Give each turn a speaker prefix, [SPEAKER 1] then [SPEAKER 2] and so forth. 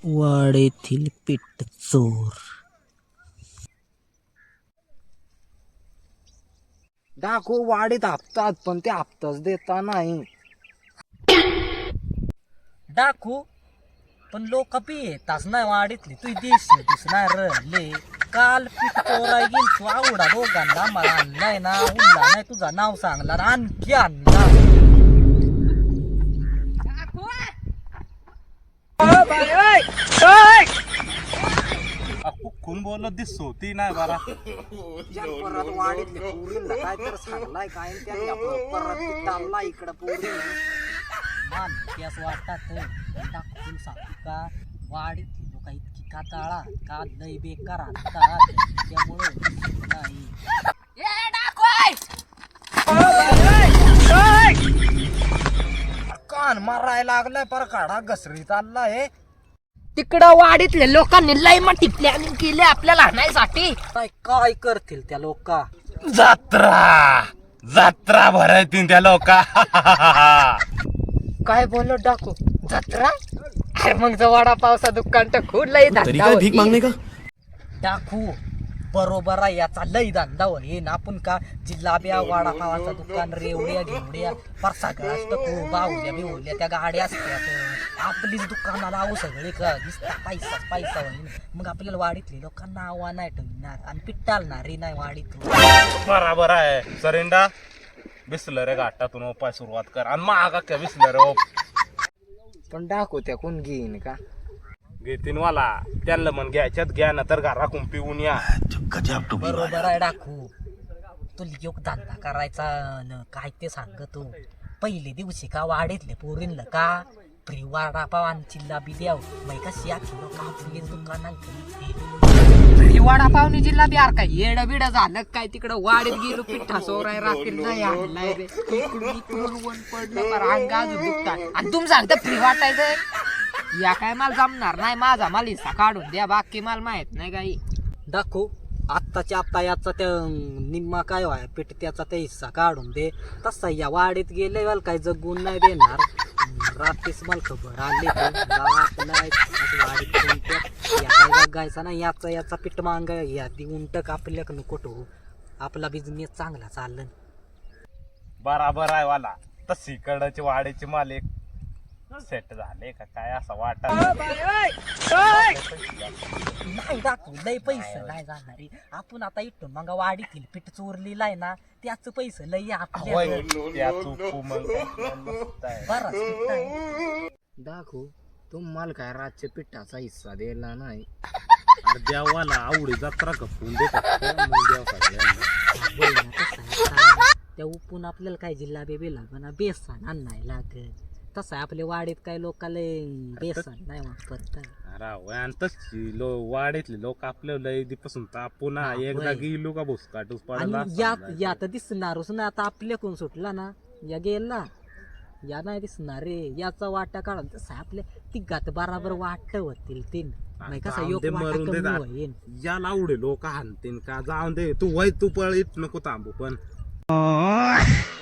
[SPEAKER 1] वाडेतील पीठ चोर.
[SPEAKER 2] डाकू वाडीत हापतात पण ते हापताच देता नाही.
[SPEAKER 1] डाकू पण लोक बी येताच नाही वाडीतली तू दिसणार ले. काल पीठ चोराय गेल तू आवडा दोघांना मला आणलाय ना उरला नाही तुझा नाव सांगला आणखी आणला.
[SPEAKER 3] कोण बोलत दिसतो ती नाही बरा.
[SPEAKER 2] परत वाडीतली पोरीला काय तर सांगलाय काय त्याने आपलं परत चालला इकडं पोरी.
[SPEAKER 1] मानस वाटतात डाकून सांगू का वाडीतली लोक इतकी काताळा का लय बेकार आणतात त्यामुळे नाही.
[SPEAKER 2] कान मारायला लागलाय पर काढा घसरी चाललाय.
[SPEAKER 4] तिकडं वाडीतल्या लोकांनी लय मोठी प्लॅनिंग केली आपल्याला आणायसाठी.
[SPEAKER 2] काय काय करतील त्या लोका.
[SPEAKER 3] जत्रा जत्रा भरायतील त्या लोका.
[SPEAKER 4] काय बोललो डाकू जत्रा. अरे मग जवळ पावसा दुकान तर खूप लय धंदा होती.
[SPEAKER 1] डाकू बरोबर आहे याचा लय धंदा होईल. आपण का जिल्हाब्या वडापावाचं दुकान रेवड्या घेवड्या पर सगळ्याच तर बाहुल्या बिहुल्या त्या गाड्या असतात आपलीच दुकानाला आहो सगळे का दिसता पैसा होईल. मग आपल्याला वाडीतले लोकांना नावा नाही ठेवणार आणि पिट्टालणार रे नाही वाडीत.
[SPEAKER 3] बराबर आहे सरेंडा. बिसलरे घाटातून ओपाय सुरुवात कर आणि मागा काय बिसलरे
[SPEAKER 2] पण डाकू त्या कोण घेईन का.
[SPEAKER 3] घेतीन वाला त्यांना म्हण घ्यायच्यात घ्या ना तर घरा पिऊन या.
[SPEAKER 1] बरोबर आहे डाकू तुला योग धंदा करायचा न काय ते सांगतो. पहिले दिवशी का वाडीतले पोरींला का फ्री वडापाव आणि चिल्ला बी द्याव मग कशी आखी लोक आपली दुकानात
[SPEAKER 4] फ्री वडापावनी जिल्हा आर काय येड बिड झालं काय तिकडं वाडीत गेलो पिठा सोराय रात्री नाही आणलाय रे. इकडून वन पडलं पर अंगा अजून दुखतात आणि तुम्ही सांगता फ्री वाटायचं. या काय मला जमणार नाही. माझा माल हिस्सा काढून द्या बाकी मला माहित नाही काही.
[SPEAKER 1] दाखव आत्ताच्या आत्ता याचा त्या निम्मा काय व्हाय पेट त्याचा त्या हिस्सा काढून दे. तसा या वाडीत गेले वाल काय जगून नाही देणार. रात्रीच मला खबर आली वाडीत काय जगायचा ना याचा पीठ मांग या उंटक आपल्याक नको ठेवू. आपला बिझनेस चांगला चाललं.
[SPEAKER 3] बराबर आहे वाला. तशी कडचे वाड्याचे मालिक सेट झाले का काय असं वाटत
[SPEAKER 1] नाही. दाखवू लय पैसे नाही जाणार आपण आता इथून मग वाडीतील पीठ चोरलेला आहे ना त्याच पैसे लय आपल्या
[SPEAKER 2] दाखू तुम्हाला काय रातच्या पिठाचा हिस्सा दिला नाही.
[SPEAKER 3] अरे देवाला आवडी जत्रा कपून
[SPEAKER 1] त्या उपून आपल्याला काय जिल्हा बी लागणार बेसन आणायला लागेल. तसं आपल्या वाडीत काय लोकांना बेसन नाही वापरतात.
[SPEAKER 3] वाड्यातले लोक आपल्या लयदीपासून तापून एकदा गेलो का भुसकाटूस पडला.
[SPEAKER 1] या तर दिसणारच ना आता आपल्याकडून सुटला ना या गेला या नाही दिसणार रे. याचा वाटा काढा तसं आपल्या तिघात बराबर वाट होतील तीन कसा योग होईल.
[SPEAKER 3] याला आवडे लोक हाणतील का जाऊन दे तू वय तू पळ नको थांबू पण